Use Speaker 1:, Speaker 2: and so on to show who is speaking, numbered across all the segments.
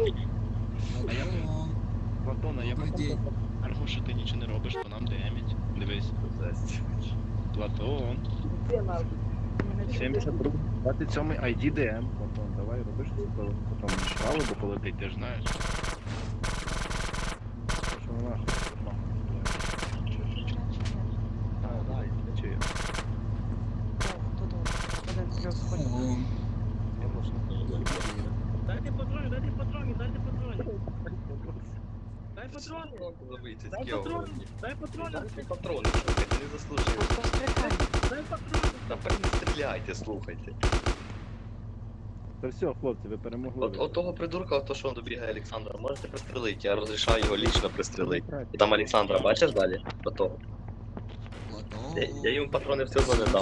Speaker 1: А я
Speaker 2: Платон, а я
Speaker 1: Добрий
Speaker 2: потім
Speaker 1: день.
Speaker 2: скажу, що ти нічого не робиш, то нам демідь. Дивись. Платон. 72 27 ID DM. Платон, давай роби щось, то потім жалобу полетить, ти ж знаєш. Що вона нахуй? Да, я чую.
Speaker 1: О,
Speaker 3: Дайте патрони, дайте патрони, дайте патрони. Дай патрони,
Speaker 4: Забийте,
Speaker 3: дай патрони, дай патрони,
Speaker 4: Дайте патрони, слухайте, не заслужили.
Speaker 3: дай патрони.
Speaker 4: Та не стріляйте, слухайте.
Speaker 2: Та все, хлопці, ви перемогли.
Speaker 4: От того придурка, то що добігає Олександра, можете пристрелити, я розрішаю його лічно пристрелити. І там Олександра, бачиш далі? До того. Я йому патрони все одно не дам.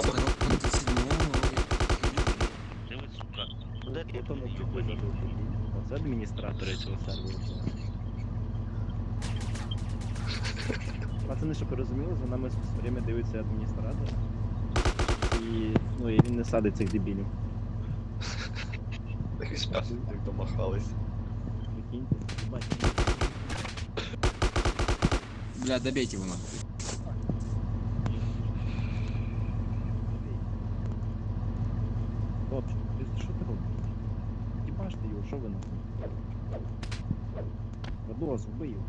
Speaker 2: Ти ви, сука. Де ти то не Оце адміністратори цього серверу. Пацани, щоб ви розуміли, за нами все время дивиться адміністратор. І він не садить цих дебілів.
Speaker 4: Так щас, як домахались.
Speaker 2: Прикиньте, бачите.
Speaker 1: бля, добейте его нахуй.
Speaker 2: Хлопче, ти що ти робиш? Дібаш ти його, що ви нахуй? Водос, вбий його.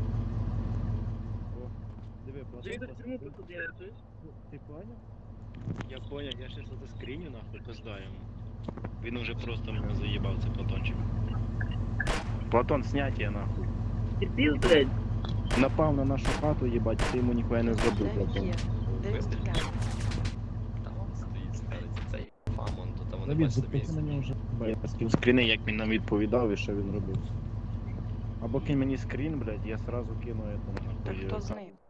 Speaker 2: О, диви,
Speaker 3: Ти
Speaker 2: просто.
Speaker 3: чому тут я чуєш?
Speaker 2: Ти понял? Я понял, я щас это скриню нахуй, пизда йому. Він уже просто мене заїбав, це Платончик. Платон, снятие нахуй.
Speaker 3: Терпів, блядь.
Speaker 2: Напав на нашу хату, їбать, ти йому ніхуя не зробив, Платон.
Speaker 4: Там он стоїть спереді, цей фамон, то там вони
Speaker 2: Давід,
Speaker 4: бачите
Speaker 2: запиши на
Speaker 4: місце.
Speaker 2: нього вже. Я скину скріни, як він нам відповідав і що він робив. Або кинь мені скрін, блядь, я сразу кину этому
Speaker 5: Так
Speaker 2: нахуй.
Speaker 5: хто з ним?